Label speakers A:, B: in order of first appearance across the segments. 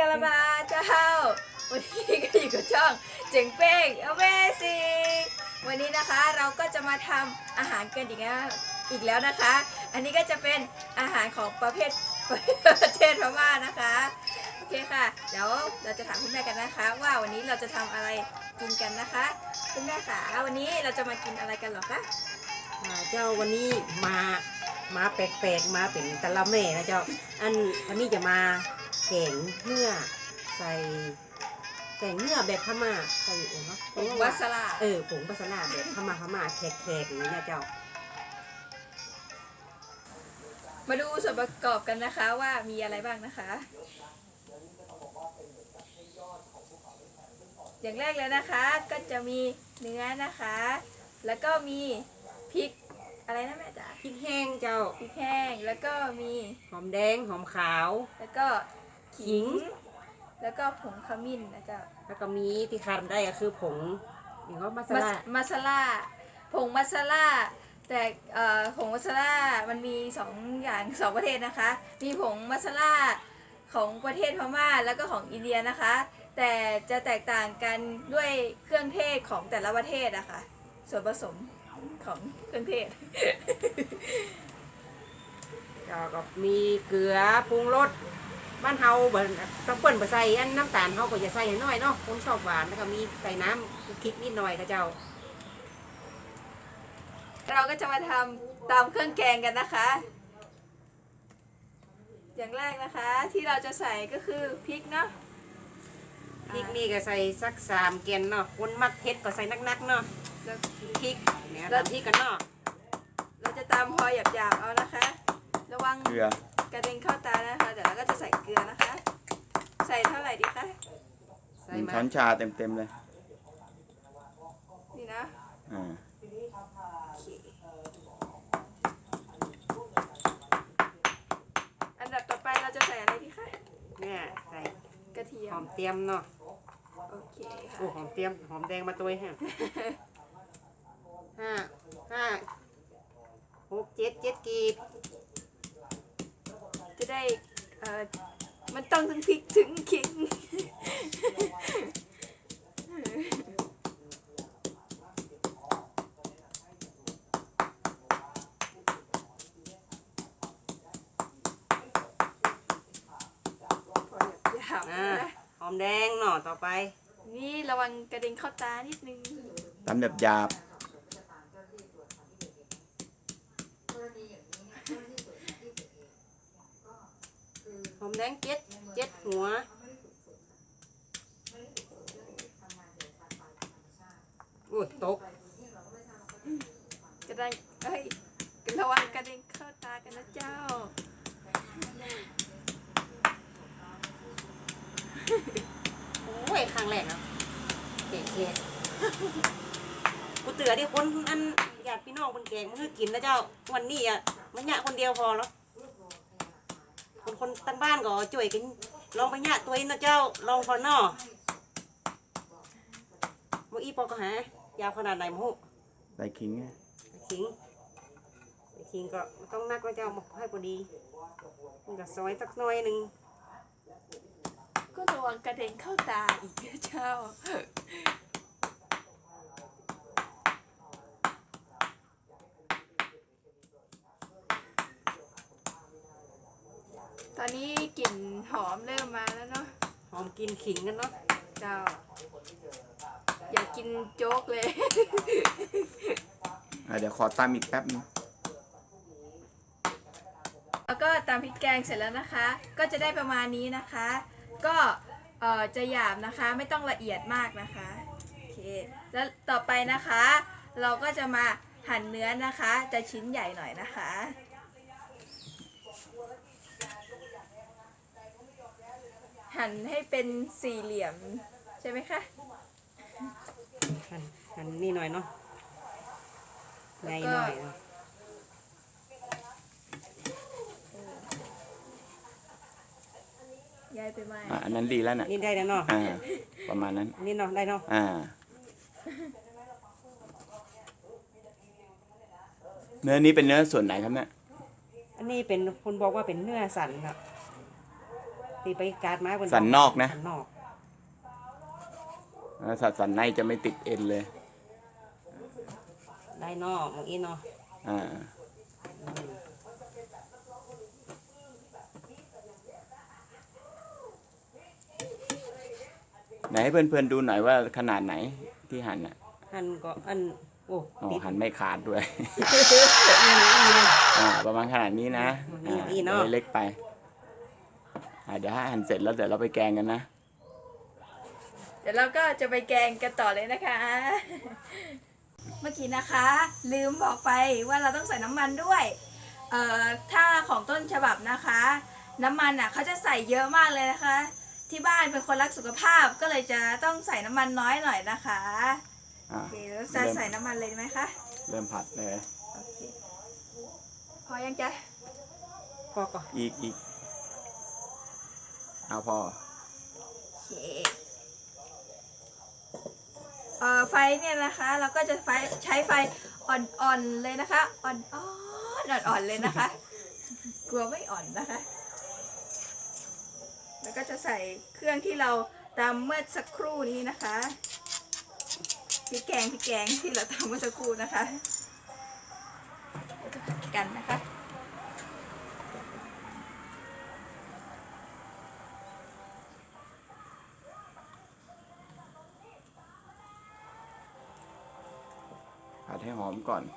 A: ลาบาเจ้าวันนี้ก็อยู่กับช่องเจ๋งเป้ง Amazing วันนี้นะคะเราก็จะมาทำอาหารกันอีกแล้วนะคะ อันนี้ก็จะเป็นอาหารของประเทศพม่านะคะโอเคค่ะเดี๋ยวเราจะถามคุณแม่กันนะคะ ว่าวันนี้เราจะทำอะไรกินกันนะคะคุณแม่คะวันนี้เราจะมากินอะไรกันหรอคะ
B: เจ้าวันนี้มาแปลกๆมาเป็นตะละแม่นะเจ้าวันนี้จะมาแกงเนื้อใส่แกงเนื้อแบบพม่าใส่เนาะ
A: ผงมัสลา
B: ผงมัสลาแบบพม่าแขกๆอย่างนี้นะเจ้า
A: มาดูส่วนประกอบกันนะคะว่ามีอะไรบ้างนะคะอย่างแรกเลยนะคะก็จะมีเนื้อนะคะ แล้วก็มีพริกอะไรนะแม่จ๋า
B: พริกแห้งเจ้า
A: พริกแห้งแล้วก็มี
B: หอมแดงหอมขาว
A: แล้วก็ขิงแล้วก็ผงขมิ้นนะเจ้า
B: แล้วก็มีที่ขาดได้ก็คือผงอย่างว่า
A: มัสลาผงมัสลาแต่ผงมัสลามันมี2อย่าง2ประเทศนะคะมีผงมัสลาของประเทศพม่าแล้วก็ของอินเดียนะคะแต่จะแตกต่างกันด้วยเครื่องเทศของแต่ละประเทศอะค่ะส่วนผสมของเครื่องเทศ
B: ก็มีเกลือปรุงรสบ้านเฮาต้องเปิ้นใส่น้ำตาลเฮาก็จะใส่น้อยเนาะคนชอบหวานแล้วก็มีใส่น้ำพริกนิดหน่อยก็เจ้า
A: เราก็จะมาทำตามเครื่องแกงกันนะคะอย่างแรกนะคะที่เราจะใส่ก็คือพริกเนาะ
B: พริกนี่ก็ใส่สัก3 แกนเนาะคนมักเผ็ดก็ใส่นักๆเนาะพริกเนี่ยตำพริกกันเนาะ
A: เราจะตำพอหยาบๆเอานะคะระวัง
C: เกลือก
A: ระเด็นเข้าตานะคะเดี๋ยวเราก็จะใส่เกลือนะคะใส่เท่าไหร่ดีคะ
C: 1 ช้อนชาเต็มเลย
A: นี่นะอันดับต่อไปเราจะใส่อะไรดีคะ
B: เนี่ยใส่
A: กระเทียม
B: หอมเตรียมเนาะ
A: โอเคค่ะ
B: โอ้หอมเตรียมหอมแดงมาตัวฮะห้า6 7กีบ
A: จะได้มันต้องถึงพริกถึงขิง
B: หอมแดงเนาะต่อไป
A: นี่ระวังกระเด็นเข้าตานิดนึง
C: ตำแบบหยาบ
B: หอมแดงเจ็ดหัวโอ้ตก
A: จะได้ระวังกระเด็นเข้าตากันนะเจ้า
B: โอ้ยครั้งแรกนะเก๋กูเตือที่คนญาติพี่น้องคนแกงมันคือกินนะเจ้าวันนี้อ่ะมันหยะคนเดียวพอแล้วคนตั้งบ้านก็ช่วยกันลองไปหยะตัวเองนะเจ้าลองพอเนาะโมอีปอกก็หายาวขนาดไหนโม
C: ใส่ขิง
B: ขิงก็ต้องนักนะเจ้าให้พอดีมันก็ซอยสักหน่อยหนึ่ง
A: ก็ระวังกระเด็นเข้าตาอีกนะเจ้าตอนนี้กลิ่นหอมเริ่มมาแล้วเนาะ
B: หอมกินขิงกันเนาะ
A: เจ้าอยากกินโจ๊กเลย
C: เดี๋ยวขอตามอีกแป๊บนึง
A: แล้วก็ตามพริกแกงเสร็จแล้วนะคะก็จะได้ประมาณนี้นะคะก็จะหยาบนะคะไม่ต้องละเอียดมากนะคะโอเคแล้วต่อไปนะคะเราก็จะมาหั่นเนื้อนะคะจะชิ้นใหญ่หน่อยนะคะหั่นให้เป็น4 เหลี่ยมใช่ไหมคะ
B: หั่นนี่หน่อยเนาะใหญ่หน่อย
A: ย้ายไปไหม
C: อันนั้นดีแล้วน่ะ
B: นี่ได้แล้วเนาะ
C: ประมาณนั้น
B: นี่เนาะได้เนาะ
C: เนื้อนี้เป็นเนื้อส่วนไหนครับเนี่ย
B: อันนี้เป็นคนบอกว่าเป็นเนื้อสันครับเตีไปการมาบน
C: สันนอกนะ
B: สันนอก
C: สันในจะไม่ติดเอ็นเลย
B: ได้นอกมองอีเนาะ
C: อ่า
B: อืม
C: ไหนให้เพื่อนๆดูหน่อยว่าขนาดไหนที่หั่นอ่ะ
B: อันก็อันโอ้
C: อ๋อ
B: ติด
C: หั่นไม่ขาดด้วย
B: อีเลย
C: ประมาณขนาดนี้นะ
B: อีเนอะ
C: เล็กไปเดี๋ยวให้หั่นเสร็จแล้วเดี๋ยวเราไปแกงกันนะ
A: เดี๋ยวเราก็จะไปแกงกันต่อเลยนะคะ เมื่อกี้นะคะ ลืมบอกไปว่าเราต้องใส่น้ำมันด้วยถ้าของต้นฉบับนะคะ น้ำมันอ่ะเขาจะใส่เยอะมากเลยนะคะ ที่บ้านเป็นคนรักสุขภาพก็เลยจะต้องใส่น้ำมันน้อยหน่อยนะคะ
C: อ่า
A: โอเคแล้วจะใส่น้ำมันเลยไหมคะ
C: เริ่มผัดเลย
A: โอเคพอยังจ๊ะ
B: ก็ก็
C: อีกเอาพอ
A: โอเคไฟเนี่ยนะคะ เราก็จะใช้ไฟอ่อนๆเลยนะคะอ่อนๆเลยนะคะ กลัวไม่อ่อนนะคะ แล้วก็จะใส่เครื่องที่เราตำเมื่อสักครู่นี้นะคะพริกแกงที่เราตำเมื่อสักครู่นะคะเราจะผัดกันนะคะ
C: ผัดให้หอมก่อน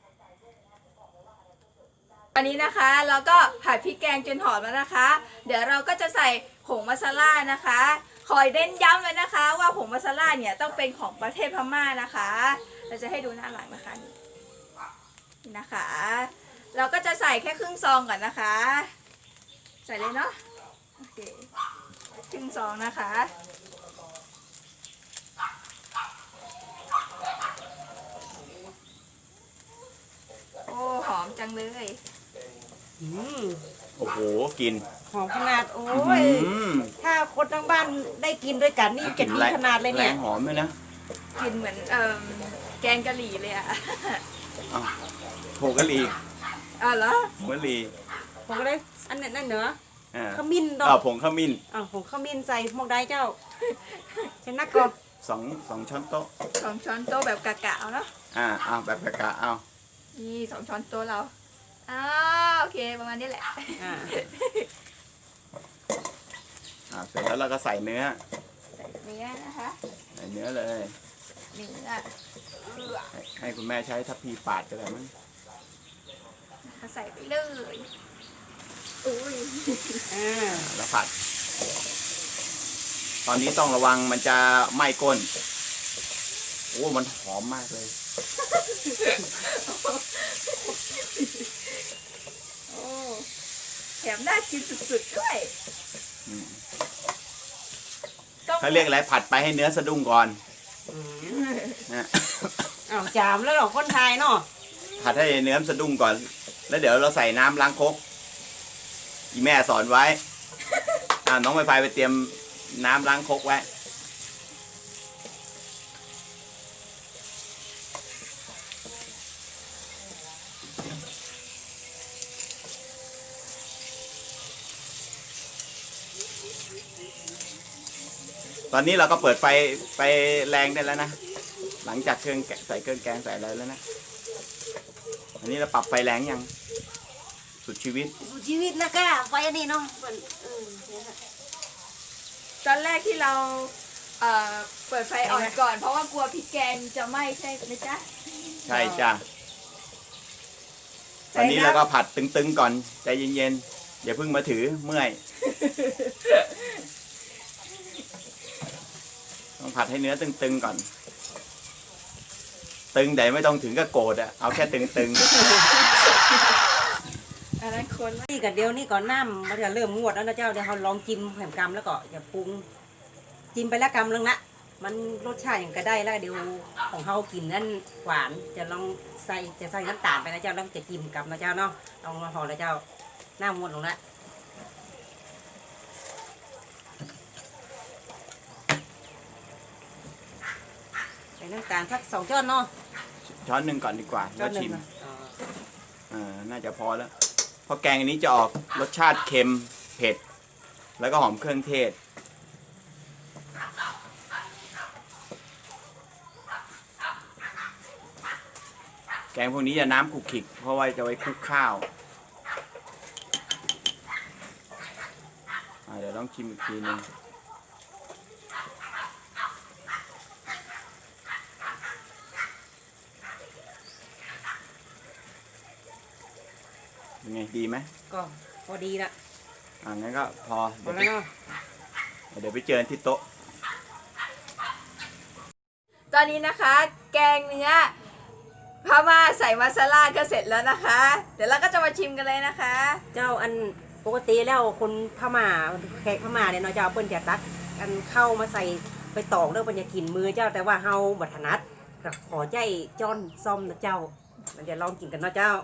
A: อันนี้นะคะเราก็ผัดพริกแกงจนหอมแล้วนะคะ เดี๋ยวเราก็จะใส่ผงมัสลานะคะคอยเน้นย้ำเลยนะคะ ว่าผงมัสลาเนี่ยต้องเป็นของประเทศพม่านะคะ เราจะให้ดูหน้าหลังนะคะนี่นะคะ เราก็จะใส่แค่ครึ่งซองก่อนนะคะ ใส่เลยเนาะโอเคครึ่งซองนะคะ โอ้หอมจังเลย
B: อืม
C: โอ้โหกิน
B: หอมขนาดโอ้ย
C: อืม
B: ถ้าคนทั้งบ้านได้กินด้วยกันนี่จะดีขนาดเลยเนี่ย
C: แรงหอมเลยนะ
A: กลินเหมือนแกงกะหรี่เลยอะ
C: อ้าวผงกะหรี่
A: อ๋อเหรอ
C: ผงกะหรี่
B: ผมก็เลยอันนั้นนั่นเนอะ
C: อ่า
B: ขมิ้นดอ
C: ผงขมิ้น
B: ผมขมิ้นใส่หมกได้เจ้าใช่นักก่อน
C: สองช้อนโต๊ะ
A: 2 ช้อนโต๊ะแบบกะๆเอาเนาะ
C: เอาแบบกะเอา
A: นี่2 ช้อนโต๊ะเราโอเคประมาณนี้แหละ
B: อ่า
C: เสร็จแล้วเราก็ใส่เนื้อ
A: ใส่เนื้อนะคะ
C: ใส่เนื้อเลย
A: เนื้อ
C: ให้คุณแม่ใช้ทัพพีปาดก็ได้มั้ง
A: ใส่ไปเลยอุ้ย
B: อ่า
C: แล้วผัด ตอนนี้ต้องระวังมันจะไหม้ก้น โอ้มันหอมมากเลย
A: โอ้แถมน่ากินสุดๆด้วย
C: อืม
A: ต้อง
C: เขาเรียกอะไรผัดไปให้เนื้อสะดุ้งก่อน
B: อืม
C: นะ
B: จามแล้วเหรอคนไทยเนาะ
C: ผัดให้เนื้อสะดุ้งก่อน แล้วเดี๋ยวเราใส่น้ำล้างครกอีแม่สอนไว้ น้องไฟไฟไปเตรียมน้ำล้างครกไว้ ตอนนี้เราก็เปิดไฟไปแรงได้แล้วนะ หลังจากใส่เครื่องแกงใส่อะไรแล้วนะ อันนี้เราปรับไฟแรงยัง สุดชีวิต
B: ชีวิตนะก้าไฟอันนี้เนาะ
A: ตอนแรกที่เราเปิดไฟอ่อนก่อน เพราะว่ากลัวพริกแกงจะไหม้ใช่ไหมจ๊ะ
C: ใช่จ้ะ ตอนนี้เราก็ผัดตึงๆก่อน ใจเย็นๆ อย่าเพิ่งมาถือเมื่อย ต้องผัดให้เนื้อตึงๆก่อน ตึงแต่ไม่ต้องถึงกับโกรธอะเอาแค่ตึง
A: อันนั้นคน
B: นี่กับเดียวนี่ก่อนน้ำมันจะเริ่มงวดแล้วนะเจ้าเดี๋ยวเขาลองจิ้มแผ่นกำแล้วก็อย่าปรุงจิ้มไปแล้วกำนึงละมันรสชาติอย่างก็ได้แล้วเดี๋ยวของเขากินนั่นหวานจะลองใส่น้ำตาลไปนะเจ้าแล้วจะจิ้มกับนะเจ้าเนาะลองมาพอแล้วเจ้าหน้างวดลงละใส่น้ำตาลสัก2 ช้อนเนาะ
C: ๆ ช้อนหนึ่งก่อนดีกว่า
B: ช้
C: แล้
B: อ
C: วน
B: หนึ่
C: ชิ
B: ง
C: ม
B: นะอ๋อ
C: น่าจะพอแล้ว เพราะแกงอันนี้จะออกรสชาติเค็มเผ็ดแล้วก็หอมเครื่องเทศแกงพวกนี้จะน้ำขลุกขลิกเพราะว่าจะไว้คลุกข้าวเดี๋ยวต้องชิมอีกทีนึงยังไงดีไหม
B: ก็พอดีละ
C: งั้นก็พอ
B: พอแล้วเนาะ
C: เดี๋ยวไปเจอกันที่โต๊ะ
A: ตอนนี้นะคะ แกงเนื้อพม่าใส่มาซาล่าก็เสร็จแล้วนะคะ เดี๋ยวเราก็จะมาชิมกันเลยนะคะ
B: เจ้าอันปกติแล้วคนพม่าแขกพม่าเนี่ยเนาะเจ้าเปิ้นจะตักอันเข้ามาใส่ไปตอกเด้อเปิ้นจะกินมือเจ้าแต่ว่าเฮาบ่ถนัดก็ขอใจจ้อนซ่อมนะเจ้ามันจะลองกินกันเนาะเจ้า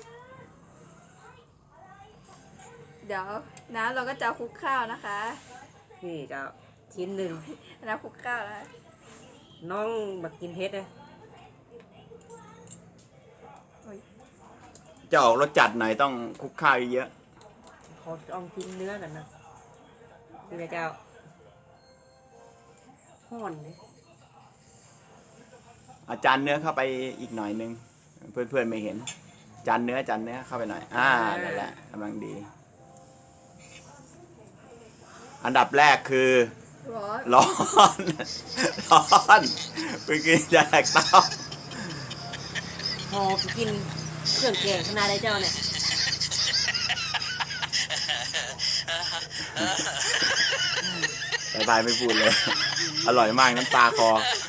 A: เดี๋ยวน้ำเราก็จะคลุกข้าวนะคะ
B: นี่เจ้าชิ้นหนึ่ง
A: น้ำคลุกข้าวแล้ว
B: น้องบักกินเฮ็ดเลย
C: จะออกรสจัดหน่อยต้องคลุกข้าวเยอะ
B: ขอลองกินเนื้อกันนะนี่นะเจ้าห่อนเลย
C: อาจารย์เนื้อเข้าไปอีกหน่อยนึงเพื่อนๆไม่เห็นจานเนื้อเข้าไปหน่อยนั่นแหละกำลังดี อันดับแรกคือ
A: ร้อน
C: ร้อนไปกินจากเตา
B: พอกินเครื่องแกงขนาดไรเจ้าเนี่ย
C: บายไม่พูดเลย อร่อยมากน้ำตาคอ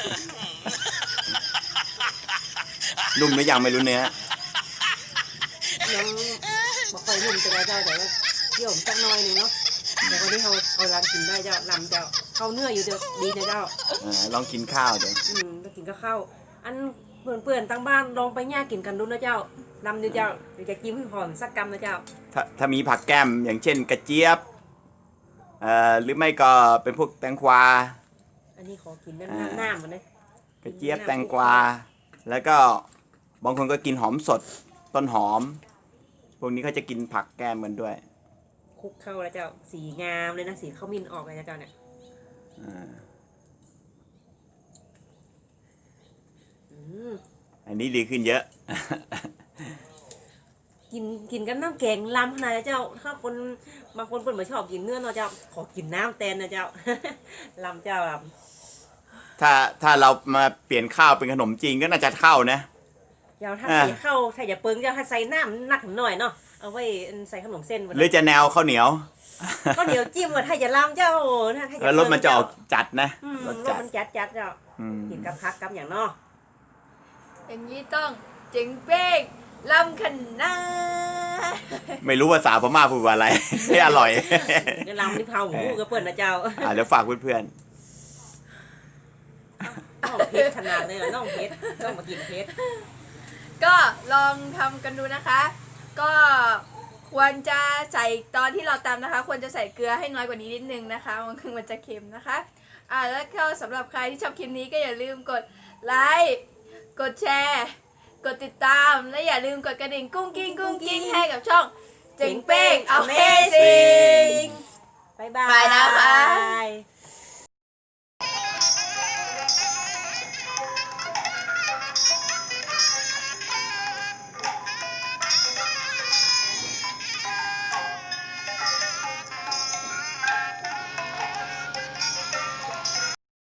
C: นุ่มหรือยังไม่รู้เนื้อ
B: ยังบอกค่อยนุ่มจะได้เจ้าแต่ว่าเกี่ยวสักหน่อยหนึ่งเนาะแต่วันนี้เขาลำกินได้เจ้าลำเจ้าเข้าเนื้ออยู่เด้อดีนะเจ้า
C: ลองกินข้าวเดี๋ยว
B: ไปกินก็เข้าอันเปื่อนๆตั้งบ้านลองไปย่ากินกันดูนะเจ้าลำดูเจ้าเดี๋ยวจะกินให้หอมสักกำนะเจ้า
C: ถ้ามีผักแก้มอย่างเช่นกระเจี๊ยบหรือไม่ก็เป็นพวกแตงกวา
B: อันนี้ขอกินน้ำมันเลย
C: กระเจี๊ยบแตงกวาแล้วก็บางคนก็กินหอมสดต้นหอม พวกนี้เขาจะกินผักแก้มกันด้วย
B: คลุกเข้าแล้วเจ้าสีงามเลยนะสีข้าวมิ้นออกเลยนะเจ้าเนี่ย
C: อันนี้ดีขึ้นเยอะ
B: กินกันน้ำแกงลำขนาดเจ้าถ้าคนบางคนเปิดมาชอบกินเนื้อเนาะเจ้าขอกินน้ำแตนนะเจ้า ลำเจ้าลำ
C: ถ้าเรามาเปลี่ยนข้าวเป็นขนมจีนก็น่าจะเข้านะ
B: เจ้าถ้าใส่ข้าวถ้าอย่าเปิงเจ้าถ้าใส่น้ำหนักหน่อยเนาะเอาไว้ใส่ขนมเส้น
C: หรือจะแนวข้าวเหนียว
B: ก็เดี๋ยวจิ้มว่าถ้าอย่าลำเจ้าถ้าอย่า
C: แล้วรสมันจะออกจัดนะ
B: รสมันจัดเจ้ากินกับพักกับอย่างเนาะ
A: อย่างนี้ต้องเจ๋งเป้งลำขันนา
C: ไม่รู้ภาษาพม่าพูดว่าอะไร ไม่อร่อย
B: เดี๋ยวลำที่เผาหมูกับเปิ่นนะเจ้า
C: เดี๋ยวฝากเพื่อน
B: น้องเพชรขนาดเลยน้องเพชรต้องมากินเพชร
A: ก็ลองทำกันดูนะคะ ก็ควรจะใส่ตอนที่เราตำนะคะ ควรจะใส่เกลือให้น้อยกว่านี้นิดนึงนะคะมันจะเค็มนะคะแล้วก็สำหรับใครที่ชอบคลิปนี้ก็อย่าลืมกดไลค์กดแชร์กดติดตามและอย่าลืมกดกระดิ่งกุ้งกิ้งให้กับช่องเจ๋งเป้ง Amazing
B: บ๊ายบาย
A: ไปนะคะ
B: บาย